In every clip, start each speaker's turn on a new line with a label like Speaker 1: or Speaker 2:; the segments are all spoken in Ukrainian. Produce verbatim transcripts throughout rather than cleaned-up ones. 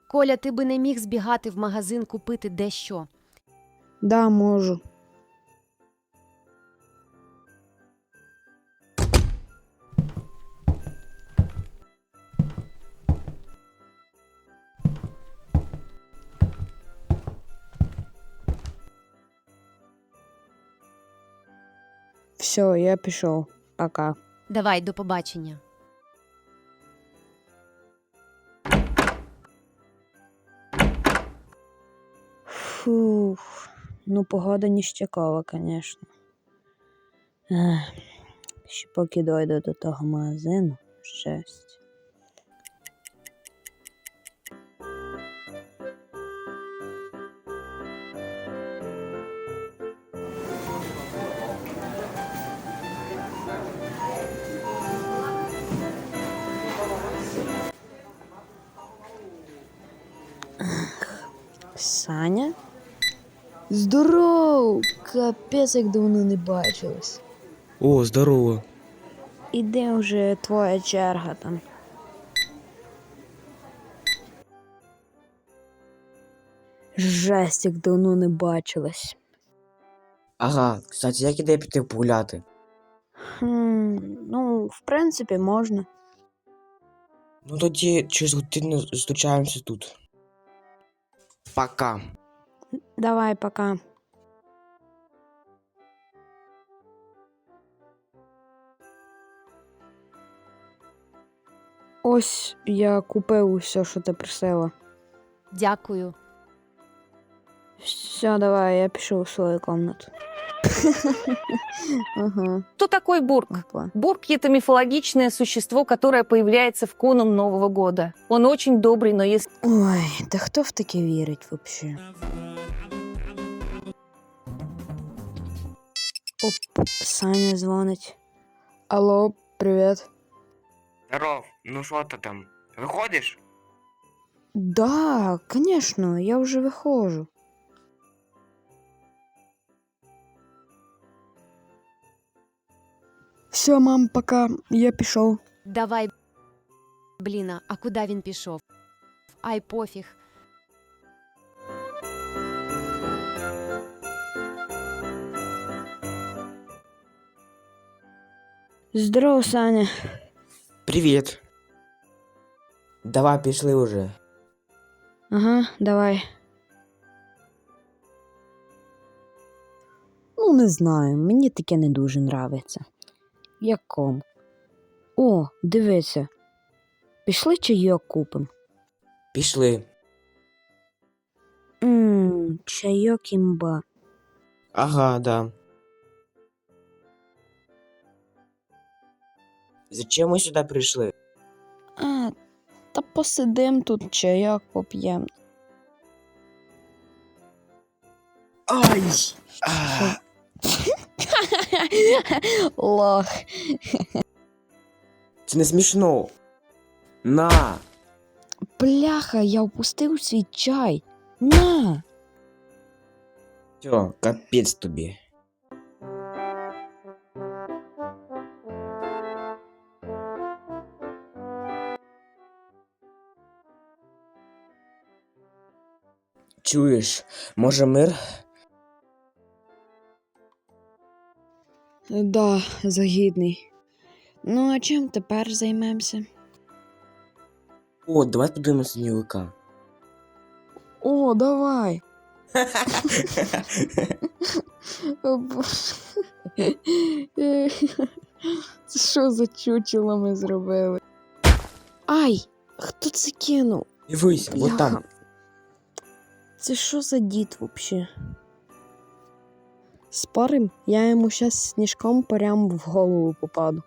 Speaker 1: Коля, ти би не міг збігати в магазин купити дещо?
Speaker 2: Да, можу. Все, я пішов. Пока.
Speaker 1: Давай, до побачення.
Speaker 2: Фух, ну погода ніштякова, звісно. Ех, ще поки дойду до того магазину, щастя. Саня? Здоров! Капець, як давно не бачились.
Speaker 3: О, здорово.
Speaker 2: Іде вже твоя черга там. Жесть, як давно не бачились.
Speaker 3: Ага, кстати, як ідея піти погуляти?
Speaker 2: Хм, ну, в принципі, можна.
Speaker 3: Ну тоді через годину зустрічаємося тут. Пока.
Speaker 2: Давай, пока. Ось я купив усе, що ти просила.
Speaker 1: Дякую.
Speaker 2: Все, давай, я пішов в свою комнату. Ага.
Speaker 4: Кто такой Бурк?
Speaker 2: Опа.
Speaker 4: Бурк – это мифологичное существо, которое появляется в канун Нового года. Он очень добрый, но если
Speaker 2: Ой, та хто в таке вірить взагалі? Оп, Саня дзвонить. Алло, привіт.
Speaker 5: Здоров, ну що ти там? Виходиш?
Speaker 2: Да, конечно, я вже виходжу. Все, мам, пока, я пішов.
Speaker 1: Давай, бліна, а куди він пішов? Ай, пофіг.
Speaker 2: Здорово, Саня.
Speaker 3: Привіт. Давай, пішли уже.
Speaker 2: Ага, давай. Ну, не знаю, мені таке не дуже нравиться. Як ком. О, дивися. Пішли чайок купим.
Speaker 3: Пішли.
Speaker 2: Ммм, чайок імба.
Speaker 3: Ага, да. Зачем ми сюди прийшли?
Speaker 2: А, та посидим тут, чайок поп'єм.
Speaker 3: Ай! А,
Speaker 2: Лох.
Speaker 3: це не смішно. На!
Speaker 2: Бляха, я впустив свій чай. На!
Speaker 3: Все, капець тобі. Чуєш, може мир?
Speaker 2: Да, загідний. Ну, а чим тепер займемося?
Speaker 3: О, давай подивимося сніговика.
Speaker 2: О, давай. О, Боже. Це що за чучело ми зробили? Ай, хто це кинув?
Speaker 3: Дивись, вот там.
Speaker 2: Бляха. Це що за дід вообще? Спорим, я йому щас сніжком прямо в голову попаду.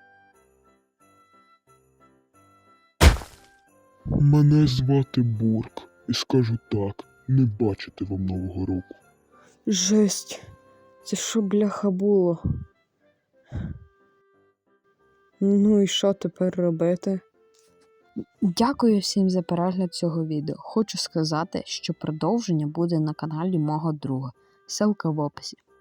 Speaker 6: Мене звати Бурк, і скажу так, не бачити вам Нового року.
Speaker 2: Жесть, це що, бляха, було? Ну і що тепер робити? Дякую всім за перегляд цього відео. Хочу сказати, що продовження буде на каналі мого друга. Ссылка в описі.